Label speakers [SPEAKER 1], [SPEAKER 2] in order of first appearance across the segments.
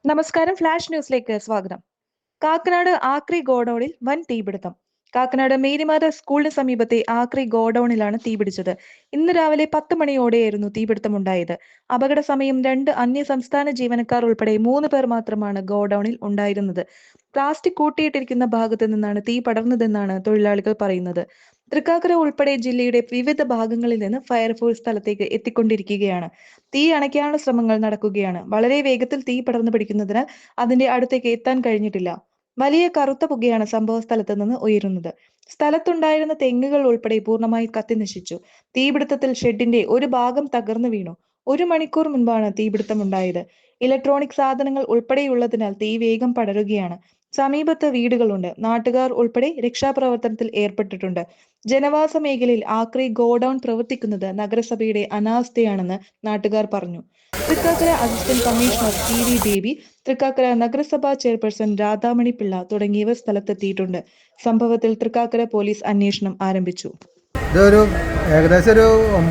[SPEAKER 1] നമസ്കാരം. ഫ്ലാഷ് ന്യൂസിലേക്ക് സ്വാഗതം. കാക്കനാട് ആക്രി ഗോഡൌണിൽ വൻ തീപിടുത്തം. കാക്കനാട് മേരിമാത സ്കൂളിന് സമീപത്തെ ആക്രി ഗോഡൌണിലാണ് തീപിടിച്ചത്. ഇന്ന് രാവിലെ 10 മണിയോടെയായിരുന്നു തീപിടുത്തമുണ്ടായത്. അപകട സമയം 2 അന്യസംസ്ഥാന ജീവനക്കാർ ഉൾപ്പെടെ 3 പേർ മാത്രമാണ് ഗോഡൌണിൽ ഉണ്ടായിരുന്നത്. പ്ലാസ്റ്റിക് കൂട്ടിയിട്ടിരിക്കുന്ന ഭാഗത്ത് നിന്നാണ് തീ പടർന്നതെന്നാണ് തൊഴിലാളികൾ പറയുന്നത്. തൃക്കാക്കര ഉൾപ്പെടെ ജില്ലയുടെ വിവിധ ഭാഗങ്ങളിൽ നിന്ന് ഫയർഫോഴ്സ് സ്ഥലത്തേക്ക് എത്തിക്കൊണ്ടിരിക്കുകയാണ്. തീ അണയ്ക്കാനുള്ള ശ്രമങ്ങൾ നടക്കുകയാണ്. വളരെ വേഗത്തിൽ തീ പടർന്നു പിടിക്കുന്നതിനാൽ അതിന്റെ അടുത്തേക്ക് എത്താൻ കഴിഞ്ഞിട്ടില്ല. വലിയ കറുത്ത പുകയാണ് സംഭവ സ്ഥലത്ത് നിന്ന് ഉയരുന്നത്. സ്ഥലത്തുണ്ടായിരുന്ന തെങ്ങുകൾ ഉൾപ്പെടെ പൂർണ്ണമായി കത്തിനശിച്ചു. തീപിടുത്തത്തിൽ ഷെഡിന്റെ ഒരു ഭാഗം തകർന്നു വീണു. 1 മണിക്കൂർ മുൻപാണ് തീപിടുത്തമുണ്ടായത്. ഇലക്ട്രോണിക് സാധനങ്ങൾ ഉൾപ്പെടെയുള്ളതിനാൽ തീ വേഗം പടരുകയാണ്. സമീപത്ത് വീടുകളുണ്ട്. നാട്ടുകാർ ഉൾപ്പെടെ രക്ഷാപ്രവർത്തനത്തിൽ ഏർപ്പെട്ടിട്ടുണ്ട്. ജനവാസ മേഖലയിൽ ആക്രി ഗോഡൌൺ പ്രവർത്തിക്കുന്നത് നഗരസഭയുടെ അനാസ്ഥയാണെന്ന് നാട്ടുകാർ പറഞ്ഞു. Thrikkakara assistant commissioner T V. Baby, Thrikkakara നഗരസഭാ ചെയർപേഴ്സൺ രാധാമണി പിള്ള തുടങ്ങിയവർ സ്ഥലത്തെത്തിയിട്ടുണ്ട്. സംഭവത്തിൽ തൃക്കാക്കര പോലീസ് അന്വേഷണം ആരംഭിച്ചു.
[SPEAKER 2] ഇതൊരു ഏകദേശം ഒരു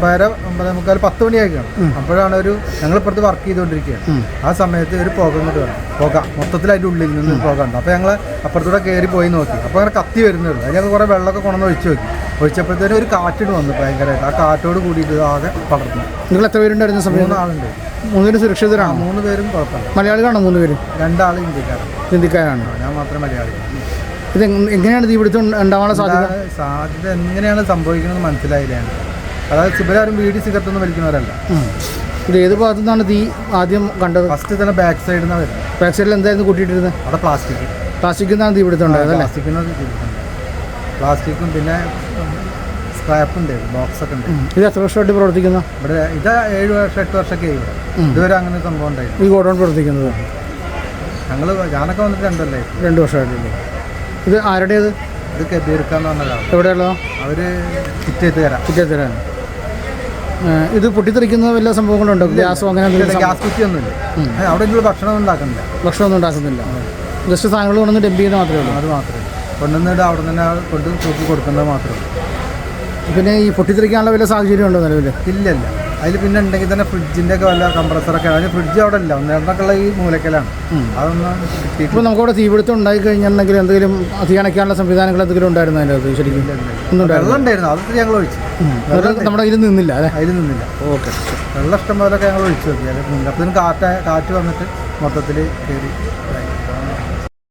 [SPEAKER 2] 9:30 10 മണിയായിരിക്കണം. അപ്പോഴാണ് ഞങ്ങളിപ്പുറത്ത് വർക്ക് ചെയ്തുകൊണ്ടിരിക്കുകയാണ്. ആ സമയത്ത് ഒരു പുക ഇങ്ങോട്ട് വേണം. പുക മൊത്തത്തിൽ അതിൻ്റെ ഉള്ളിൽ നിന്ന് പുക ഉണ്ട്. അപ്പോൾ ഞങ്ങൾ അപ്പുറത്തൂടെ കയറി പോയി നോക്കി. അപ്പോൾ അങ്ങനെ കത്തി വരുന്നുള്ളൂ. അതിൽ ഞങ്ങൾ കുറേ വെള്ളമൊക്കെ കൊണ്ടുവന്ന് ഒഴിച്ച് നോക്കി. ഒഴിച്ചപ്പോഴത്തേനും ഒരു കാറ്റിന് വന്നു ഭയങ്കരമായിട്ട്. ആ കാറ്റോട് കൂടിയിട്ട് ആകെ പടർന്നു.
[SPEAKER 3] നിങ്ങൾ എത്ര പേരുണ്ടായിരുന്ന സമയം?
[SPEAKER 2] 3 ആളുണ്ട്.
[SPEAKER 3] 3 പേരും സുരക്ഷിതരാണ്?
[SPEAKER 2] 3 പേരും കുഴപ്പമില്ല.
[SPEAKER 3] മലയാളികളാണോ 3 പേരും?
[SPEAKER 2] 2 ആൾ
[SPEAKER 3] ഹിന്ദിക്കാരാണ്.
[SPEAKER 2] ഞാൻ മാത്രം മലയാളി.
[SPEAKER 3] ഇത് എങ്ങനെയാണ് തീപിടുത്തം ഉണ്ടാവാനുള്ള
[SPEAKER 2] സാധ്യത എങ്ങനെയാണ് സംഭവിക്കുന്നത് മനസ്സിലായില്ല. അതായത് ഇവരാരും വീട് സിഗരറ്റൊന്നും വലിക്കുന്നവരല്ല.
[SPEAKER 3] ഇത് ഏത് ഭാഗത്തു നിന്നാണ് തീ ആദ്യം കണ്ടത്?
[SPEAKER 2] ഫസ്റ്റ് തന്നെ ബാക്ക് സൈഡിൽ നിന്നാണ് വരുന്നത്.
[SPEAKER 3] ബാക്ക് സൈഡിൽ എന്തായിരുന്നു കൂട്ടിയിട്ടിരുന്നത്?
[SPEAKER 2] അവിടെ
[SPEAKER 3] പ്ലാസ്റ്റിക്കിൽ നിന്നാണ് തീപിടുത്തം ഉണ്ടായത് അല്ലേ?
[SPEAKER 2] പ്ലാസ്റ്റിക്കും പിന്നെ സ്ക്രാപ്പ് ഉണ്ട്, ബോക്സ് ഒക്കെ ഉണ്ട്.
[SPEAKER 3] ഇത് എത്ര വർഷമായിട്ട് പ്രവർത്തിക്കുന്നു?
[SPEAKER 2] ഇവിടെ ഇത് 7 വർഷം 8 വർഷമൊക്കെ ഇവിടെ. ഇതുവരെ അങ്ങനെ സംഭവം ഉണ്ടായിരുന്നു.
[SPEAKER 3] ഈ ഗോഡൗൺ പ്രവർത്തിക്കുന്നത്
[SPEAKER 2] ഞാനൊക്കെ വന്നിട്ട്
[SPEAKER 3] 2 വർഷമായിട്ടില്ലേ? ഇത് ആരുടേത്?
[SPEAKER 2] ഇത് കബീർക്കാന്ന് പറഞ്ഞതാണ്.
[SPEAKER 3] എവിടെയുള്ളതോ?
[SPEAKER 2] അവർ ചിറ്റേത്തരാണ്.
[SPEAKER 3] ഇത് പൊട്ടിത്തെറിക്കുന്ന വല്ല സംഭവങ്ങളുണ്ടോ? ഗ്യാസോ അങ്ങനെ
[SPEAKER 2] ഗ്യാസ് കുറ്റിയൊന്നുമില്ല. അവിടെ ഭക്ഷണമൊന്നും ഉണ്ടാക്കുന്നില്ല.
[SPEAKER 3] ഭക്ഷണമൊന്നും ഉണ്ടാക്കുന്നില്ല. ജസ്റ്റ് സാധനങ്ങൾ കൊണ്ടുവന്ന് ഡംപ് ചെയ്യുന്നത് മാത്രമേ ഉള്ളൂ.
[SPEAKER 2] അത് മാത്രമേ കൊണ്ടുവന്നിട്ട് അവിടെ തന്നെ കൊണ്ട് തൂക്കി കൊടുക്കുന്നത് മാത്രമേ ഉള്ളൂ.
[SPEAKER 3] പിന്നെ ഈ പൊട്ടിത്തെറിക്കാനുള്ള വല്ല സാഹചര്യം ഉണ്ടോ നിലവിൽ?
[SPEAKER 2] ഇല്ല. അതിൽ പിന്നെ ഉണ്ടെങ്കിൽ തന്നെ ഫ്രിഡ്ജിൻ്റെ ഒക്കെ വല്ല കംപ്രസറൊക്കെ. അതിന് ഫ്രിഡ്ജ് അവിടെ ഇല്ല. ഒന്നേണ്ടൊക്കെയുള്ള ഈ മൂലക്കലാണ്. അതൊന്നും കിട്ടി. ഇപ്പോൾ
[SPEAKER 3] നമുക്കവിടെ തീപിടുത്തം ഉണ്ടായി കഴിഞ്ഞിട്ടുണ്ടെങ്കിൽ എന്തെങ്കിലും തീ അണയ്ക്കാനുള്ള സംവിധാനങ്ങൾ എന്തെങ്കിലും ഉണ്ടായിരുന്നു അതിൻ്റെ അത്? ശരിക്കും
[SPEAKER 2] വെള്ളം ഉണ്ടായിരുന്നു. അതൊക്കെ ഞങ്ങൾ ഒഴിച്ചു.
[SPEAKER 3] നമ്മുടെ അതിൽ നിന്നില്ല അല്ലേ?
[SPEAKER 2] അതിൽ നിന്നില്ല.
[SPEAKER 3] ഓക്കെ.
[SPEAKER 2] വെള്ളം ഇഷ്ടം പോലൊക്കെ ഞങ്ങൾ ഒഴിച്ചു നോക്കി. അപ്പോഴത്തേനും കാറ്റ് വന്നിട്ട് മൊത്തത്തിൽ കയറി.